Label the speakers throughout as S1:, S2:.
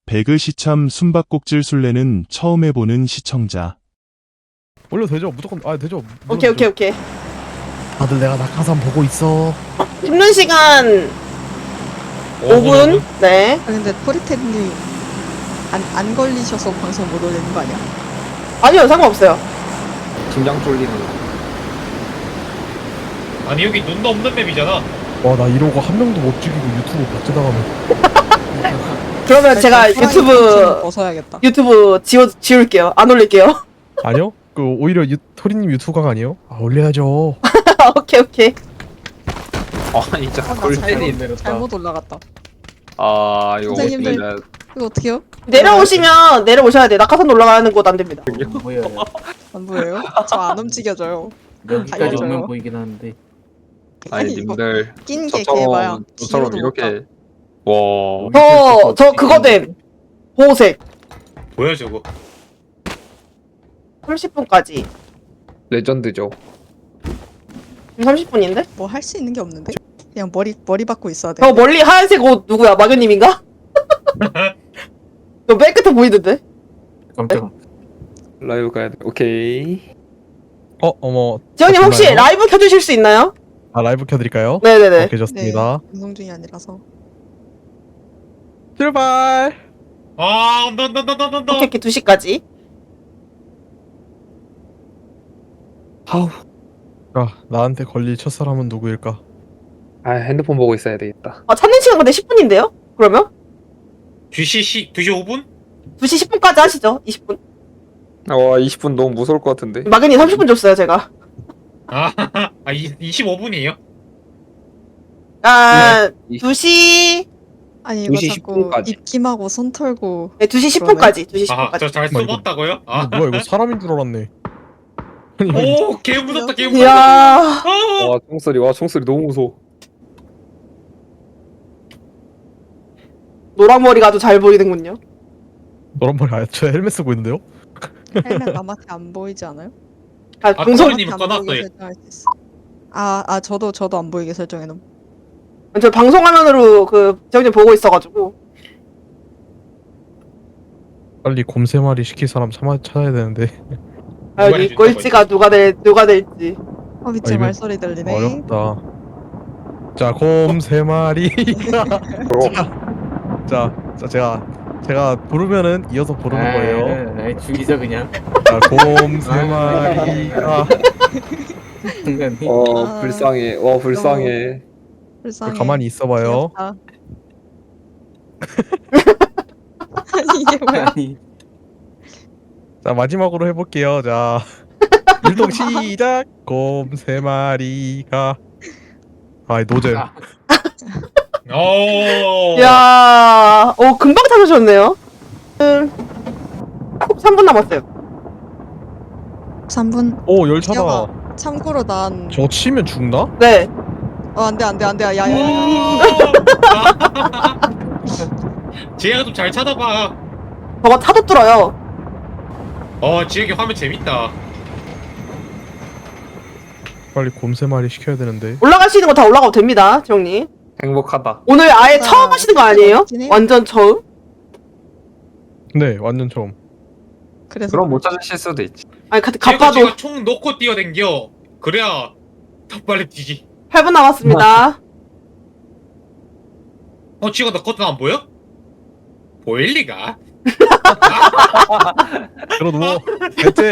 S1: 배그 시참 숨바꼭질 술래는 처음 해보는 시청자.
S2: 올려도 되죠? 무조건 되죠.
S3: 오케이 오케이 오케이.
S2: 다들 내가 낙하산 보고 있어.
S3: 씹는 시간 5분? 네.
S4: 아, 근데 토리테님 안 걸리셔서 방송 못 올리는 거 아니야?
S3: 아니요 상관없어요.
S5: 심장 쫄리는 거.
S6: 아니 여기 눈도 없는 맵이잖아.
S2: 와, 나 이러고 한 명도 못 죽이고 유튜브 박제당하면.
S3: 그러면 제가
S4: 호랑이 팬티는
S3: 유튜브
S4: 벗어야겠다.
S3: 지울게요. 안 올릴게요.
S2: 아니요? 그 오히려 토리님 유튜브각 아니에요? 올려야죠.
S3: 오케이 오케이.
S5: 아니 진짜
S4: 나
S5: 골팬이 내렸다.
S4: 잘못 올라갔다.
S5: 아 이거
S4: 선생님들.
S5: 어떻게
S4: 이거 어떻게요?
S3: 내려오시면 내려오셔야 돼. 낙하산 올라가는 곳 안 됩니다.
S7: 보여요.
S4: 안 보여요? 저 안 움직여져요.
S7: 여기까지
S4: 알려줘요.
S7: 오면 보이긴 하는데.
S5: 아니
S4: 이거
S5: 님들
S4: 낀 게 개봐야.
S5: 저처럼
S4: 뒤로도 못 가.
S5: 이렇게 와
S3: 저 그거 됨. 보호색.
S6: 뭐야 저거?
S3: 30분까지.
S5: 레전드죠.
S3: 30분인데?
S4: 뭐 할 수 있는 게 없는데? 그냥 머리 받고 있어야 돼.
S3: 저 멀리 하얀색 옷 누구야? 마교님인가? 저 맨 끝에 보이던데?
S7: 깜짝아.
S5: 라이브 가야 돼. 오케이.
S2: 어머.
S3: 지영님 혹시
S2: 잠깐만요.
S3: 라이브 켜주실 수 있나요?
S2: 아, 라이브 켜드릴까요?
S3: 네네네.
S2: 오케이, 좋습니다.
S4: 방송 중이 아니라서.
S2: 출발.
S6: 아 온다 온다 온다 온다 온다.
S3: 오케이 오케이 2시까지.
S5: 아우.
S2: 나한테 걸릴 첫사람은 누구일까?
S5: 아 핸드폰 보고 있어야 되겠다.
S3: 아 찾는 시간 근데 10분인데요? 그러면?
S6: 2시 5분?
S3: 2시 10분까지 하시죠. 20분.
S5: 와 20분 너무 무서울 것 같은데.
S3: 마교님 30분 줬어요 제가.
S6: 아 25분이에요?
S3: 아
S5: 네.
S3: 2시
S4: 아니 이거
S5: 2시
S4: 자꾸
S5: 10분까지.
S4: 입김하고 손 털고
S3: 네 2시 10분까지. 2시
S6: 아
S3: 10분까지.
S6: 저 잘
S2: 잠깐만, 이거-
S6: 숨었다고요? 아.
S2: 이거 뭐야, 이거 사람인 줄 알았네. 아니,
S6: 오 개 무섭다 개 무섭다.
S3: 이야.
S5: 와 총소리 너무 무서워.
S3: 노랑머리가 아주 잘 보이는군요.
S2: 너란 말이 아니야. 저 헬멧 쓰고 있는데요?
S4: 헬멧 남한테 안 보이지 않아요?
S3: 아, 방송
S6: 토리님은
S4: 남한테 안 보이게
S6: 꺼놨어요.
S4: 설정할 수 있어. 저도 안 보이게 설정해놓음.
S3: 저 방송 화면으로 그 지영님 보고 있어가지고.
S2: 빨리 곰 3마리 시킬 사람 찾아야 되는데.
S3: 아,
S6: 누가
S3: 여기
S6: 해준다고
S3: 꼴찌가 누가 될지.
S4: 밑에
S2: 이거
S4: 말소리 들리네.
S2: 어렵다. 자, 곰 3마리가. 자, 제가 부르면은 이어서 부르는 거예요.
S7: 아, 죽이자 그냥.
S2: 자, 곰 3마리가.
S7: 순간이.
S4: 아.
S5: 불쌍해. 와 불쌍해.
S4: 불쌍해.
S2: 가만히 있어봐요.
S4: 귀엽다. 아니 이게 뭐야?
S7: 아니.
S2: 자, 마지막으로 해볼게요. 자, 율동 시작. 곰 3마리가. 노잼.
S7: 아,
S6: 오.
S3: 이야, 금방 찾으셨네요. 3분 남았어요.
S4: 3분.
S2: 오, 열차다.
S4: 기영아. 참고로 난.
S2: 저거 치면 죽나?
S3: 네.
S4: 안돼. 야야야.
S6: 지혜가 좀 잘 찾아봐.
S3: 저거 차도 뚫어요.
S6: 지혜기 화면 재밌다.
S2: 빨리 곰 3마리 시켜야 되는데.
S3: 올라갈 수 있는 거 다 올라가도 됩니다, 지영님.
S5: 행복하다.
S3: 오늘 아예
S4: 나
S3: 처음 하시는 거 아니에요?
S4: 그렇긴 해요.
S3: 완전 처음?
S2: 네, 완전 처음.
S4: 그래서
S5: 그럼 못 찾으실 수도 있지.
S3: 아니,
S6: 지혜가
S3: 가빠도
S6: 지가 총 놓고 뛰어댕겨. 그래야 더 빨리 뛰지.
S3: 8분 남았습니다.
S6: 지혜가 너 커튼 안 보여? 보일 리가?
S2: 들어 누워. 됐지?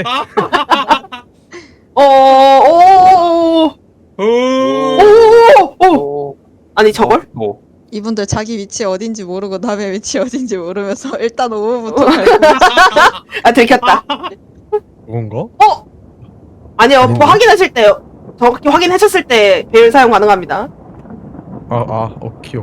S3: 오. 아니, 저걸?
S5: 뭐
S4: 이분들 자기 위치 어딘지 모르고 남의 위치 어딘지 모르면서 일단 5분부터 갈고.
S3: 아, 들켰다.
S2: 그건가?
S3: 아니요,
S2: 아닌데?
S3: 확인하실 때, 정확히 확인하셨을 때 배열 사용 가능합니다.
S2: 오키.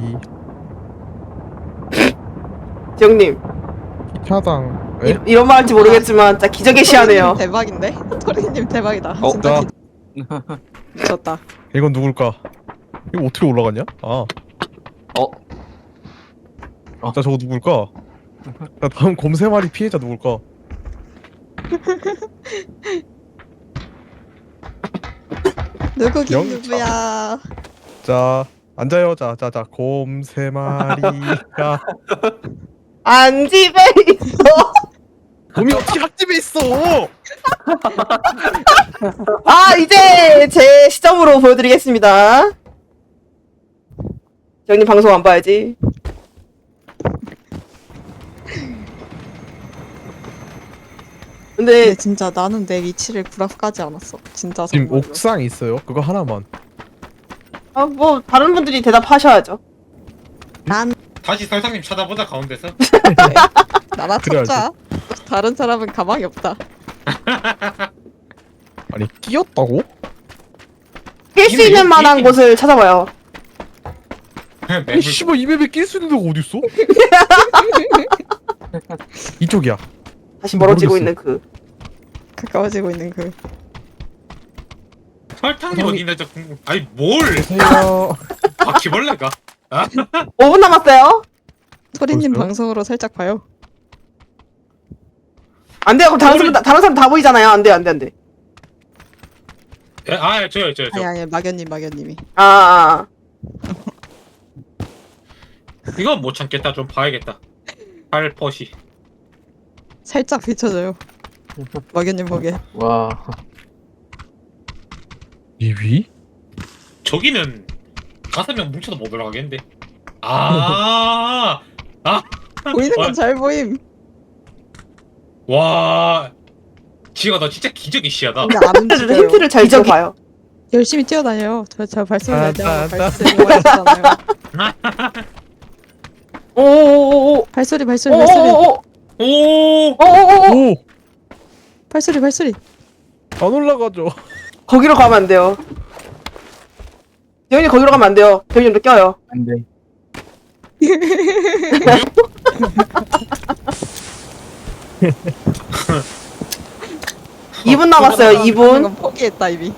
S3: 지영님,
S2: 차당. 에?
S3: 이런 말 할지 모르겠지만, 진짜 기적의 시야네요.
S4: 대박인데? 토리님 대박이다. 진짜
S2: 자,
S4: 미쳤다.
S2: 이건 누굴까? 이거 어떻게 올라갔냐? 자, 저거 누굴까? 자, 다음 곰 3마리 피해자 누굴까?
S4: 누구긴
S2: 영차.
S4: 누구야?
S2: 자, 앉아요. 자, 곰 3마리가.
S3: 안 집에 있어.
S2: 곰이 어떻게 학집에 있어?
S3: 아, 이제 제 시점으로 보여드리겠습니다. 지영님 방송 안 봐야지. 근데
S4: 근데 진짜 나는 내 위치를 구락까지 않았어. 진짜
S2: 지금
S4: 정말로.
S2: 옥상 있어요. 그거 하나만.
S3: 아, 뭐 다른 분들이 대답하셔야죠.
S4: 난
S6: 다시 설상님 찾아보자 가운데서.
S4: 나나
S2: 그래야지.
S4: 찾자. 다른 사람은 가망이 없다.
S2: 아니 끼었다고?
S3: 낄 수 있는 만한 곳을 찾아봐요.
S6: 맵을
S2: 아니 씨발 이 맵에 낄 수 있는 데가 어딨어? 이쪽이야.
S3: 다시 멀어지고
S2: 모르겠어.
S3: 있는 그.
S4: 가까워지고 있는 그.
S6: 설탕이 어디나 저 궁금. 아니 뭘?
S2: 안녕하세요.
S6: 바퀴벌레가?
S3: 5분 남았어요.
S4: 소리님
S2: 벌써요?
S4: 방송으로 살짝 봐요.
S3: 안 돼요. 그럼 다른 사람 다 보이잖아요. 안 돼, 안 돼, 안 돼.
S6: 아 저요.
S4: 아니 막연님이.
S3: 아.
S6: 이건 못 참겠다. 좀 봐야겠다. 팔퍼시.
S4: 살짝 비춰줘요. 막연님 보게.
S7: 와.
S2: 이 위?
S6: 저기는 5명 뭉쳐도 못 올라가겠는데. 아.
S4: 보이는 건 잘 보임.
S6: 와. 지가 너 진짜 기적이 시야다.
S4: 근데 안 움직여요.
S3: 힌트를 잘 줘봐요.
S4: 열심히 뛰어다녀요. 저 발소리 날 때마다
S2: 딴,
S4: 발소리 하시잖아요.
S3: 오오오오.
S4: 발소리.
S3: 오오오오.
S6: 오.
S3: 오오오오.
S2: 오!
S4: 발소리.
S2: 안 올라가죠.
S3: 거기로 가면 안 돼요. 대현이 거기로 가면 안 돼요. 대현이도 껴요.
S7: 안 돼.
S3: 2분 남았어요. 2분.
S4: 이건 포기했다 이미.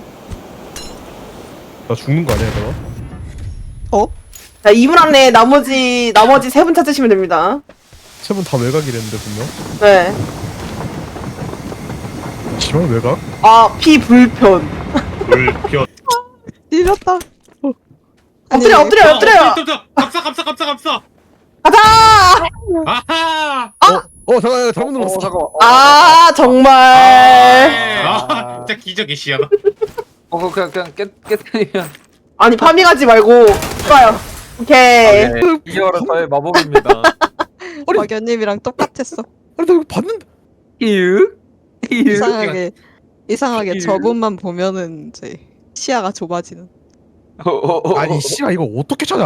S2: 나 죽는 거 아니야 내가?
S4: 어?
S3: 자, 2분 안에 나머지 3분 찾으시면 됩니다.
S2: 세 분 다 외곽이랬는데 분명.
S3: 네.
S2: 지만 외곽?
S3: 아, 피불편.
S6: 불편.
S4: 밀렸다.
S3: 엎드려.
S6: 감싸.
S3: 가자!
S6: 아하.
S2: 잠깐 잘못 눌렀어.
S5: 잠깐만.
S3: 아, 정말.
S6: 아, 진짜 기적이 시야다.
S5: 그냥 깨뜨리면.
S3: 아니, 파밍하지 말고. 좋아요. 오케이.
S5: 이어라 저의 마법입니다.
S4: 막연님이랑 똑같았어.
S2: 아니 나 이거 봤는데.
S4: 이상하게 저분만 보면은 이제 시야가 좁아지는.
S2: 아니 씨발 이거 어떻게 찾아?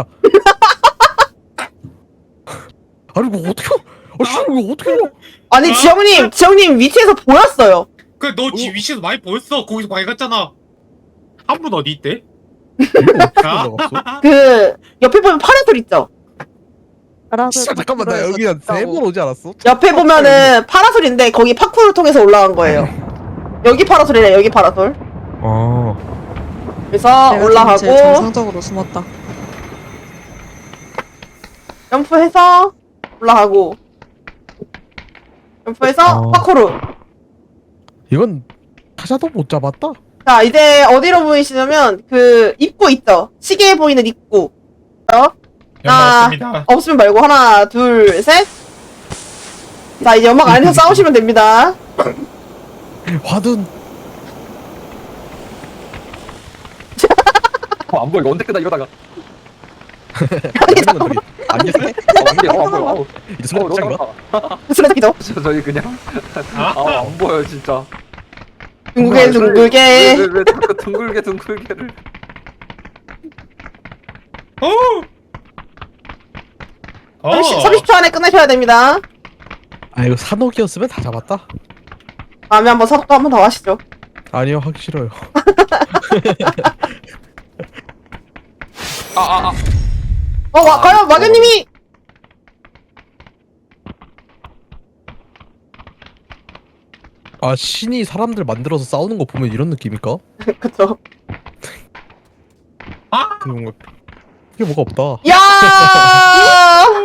S2: 아니 이거 어떻게? 씨발 이거 어떻게 알아?
S3: 아니, 지영님 위치에서 보였어요.
S6: 그너 위치에서 많이 보였어. 거기서 많이 갔잖아. 한 분 어디 있대?
S2: 이거 어떻게 올라갔어?
S3: 그, 옆에 보면 파란불 있죠?
S2: 씨발 잠깐만 나 여기 한 3번 오지 않았어?
S3: 옆에 보면은 파라솔인데, 거기 파쿠를 통해서 올라간 거예요. 여기 파라솔이래, 여기 파라솔.
S2: 아.
S3: 그래서
S4: 제일
S3: 올라가고,
S4: 정상적으로 숨었다.
S3: 점프해서 올라가고, 점프해서 파쿠르.
S2: 이건 타자도 못 잡았다.
S3: 자, 이제 어디로 보이시냐면, 그, 입구 있죠? 시계에 보이는 입구.
S6: 맞습니다.
S3: 없으면 말고, 하나, 둘, 셋. 자, 이제 연막 안에서 싸우시면 됩니다.
S2: 화둔.
S5: 안 보여. 이거 언제 끝나 이러다가.
S2: 아니
S5: 안 보여.
S2: 이제 수업 시작인가?
S3: 쓰레기죠?
S5: 저희 그냥 안 보여 진짜.
S3: 둥글게.
S5: 왜 자꾸 둥글게를.
S6: 어.
S3: 30초 안에 끝내셔야 됩니다.
S2: 아 이거 산옥이었으면 다 잡았다.
S3: 다음에 한번 사독도 한번 더 하시죠.
S2: 아니요 하기 싫어요.
S3: 과연 마견님이!
S2: 아 신이 사람들 만들어서 싸우는 거 보면 이런 느낌일까?
S3: 그쵸.
S6: 아.
S2: 그게 뭔가 없다.
S3: 야!